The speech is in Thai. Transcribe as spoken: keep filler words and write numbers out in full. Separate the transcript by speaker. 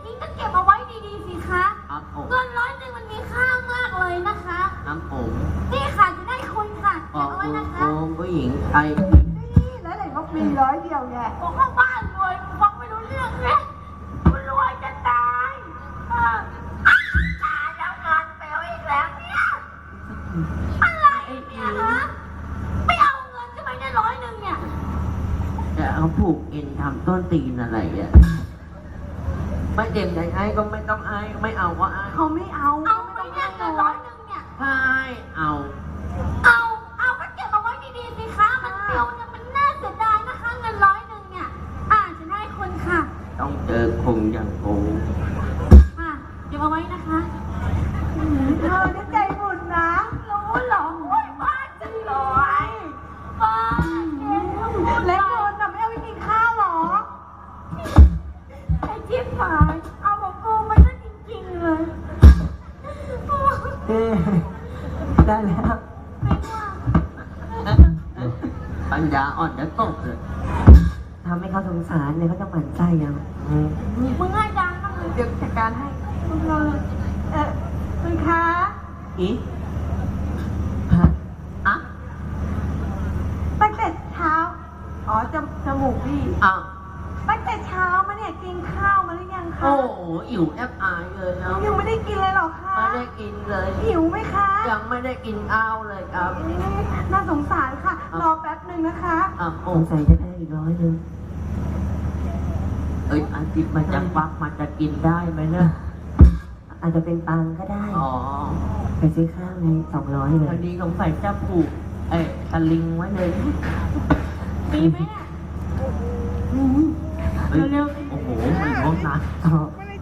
Speaker 1: ริงๆก็เก็บเอาไว้ดีๆสิคะ
Speaker 2: ครับผม
Speaker 1: เงินร้อยหนึ่งมันมีค่ามากเลยนะคะ
Speaker 2: ครับผม
Speaker 1: นี่ค่ะจะได้คุณค่ะ
Speaker 2: ข
Speaker 1: เก็
Speaker 2: อ
Speaker 1: บบ เอาไว้
Speaker 2: คุณ
Speaker 1: นะคะ
Speaker 2: โอมผู้หญิงไทย
Speaker 3: นี่แล้วไหนบอกมีร้อยเดียวแก
Speaker 1: บอกว่าบ้านรวยฟังไม่รู้เรื่องเลยคุณรวยจะตายเอออ้าวตายแล้วเงินเปลวอีกแล้วเนี่ยอะไรเนี่ยฮะไม่เอาเงินใช่ไหมเนี่ยร้อยหนึ่งเนี่ย
Speaker 2: แต่เขาผูกเอ็นทำต้นตีนอะไรอ่ะไม่เต็มใจให้ก็ไม่ต้องให้ไม่เอาก็ให้
Speaker 3: เขาไม่เอา
Speaker 1: เอาไปเนี่ยเงินร้อยหนึ่งเนี่ย
Speaker 2: ใช่เอา
Speaker 1: เอา เอาก็เก็บเอาไว้ดีๆสิคะ มันเปลวเนี่ยมันน่าเสียดายนะคะเงินร้อยหนึ่งเนี่ย อ่าจะให้คุณค่ะ
Speaker 2: ต้องเจอคงอย่างโก
Speaker 1: อ่าเก็บเอาไว้นะคะ
Speaker 3: เธอได้ใจบุญนะ
Speaker 1: รู้เหรอโอ้ยบ้าจังเลยบ้าเก่ง
Speaker 3: แล้วเงินน่ะไม่เอาไปกินข้าวหรอ
Speaker 1: ไอ้จิ๊บหาย เอาของกูไปซะจริงๆเลย
Speaker 4: เอ๊ะได้แล้ว
Speaker 1: ไม่ว่า
Speaker 2: ปัญญาอ่อนจะตกเลย
Speaker 4: ทำให้เขาสงสารเนี่ยเขาจะหมั่นไส้ยังอืม
Speaker 1: มึงให้ดังบ้างเลย
Speaker 3: เดี๋ยวจัดการให้คุณเธอเออคุณคะ
Speaker 2: อี
Speaker 4: ฮะ
Speaker 2: อ่ะ
Speaker 3: ตั้งแต่เช้า อ๋อจมจมูกพี่
Speaker 2: อ่ะ
Speaker 3: ตั้งแต่เช้ามาเนี่ยกินข้าวมาหรือยังคะ
Speaker 2: โอ้โหอิ๋วแอบอายเลยนะ
Speaker 3: ยังไม่ได้กินเลยเหรอคะ
Speaker 2: ไม่ได้กินเลย
Speaker 3: หิวไหมคะ
Speaker 2: ยังไม่ได้กินข้าวเลยครับ
Speaker 3: เอ๊ะน่าสงสารค่ะ รอแป๊บหนึ่งนะคะ
Speaker 2: อ่ะโอ้
Speaker 4: สงสัยจะได้อีกร้อยหนึ่ง
Speaker 2: เอ้ยอันจิบมันจะฟักมันจะกินได้ไหมเนี่ย
Speaker 4: อาจจะเป็นปังก็ได้
Speaker 2: อ๋อ
Speaker 4: ไปซื้อข้าวในสองร้อยเล
Speaker 2: พอย ดีสงสัยจะผูกเอ้ยสลิงไว้เลย
Speaker 1: มีไหมเนี่ย
Speaker 2: เฮ้ยโอ้โหไม่ร้องนะ
Speaker 4: ต่อ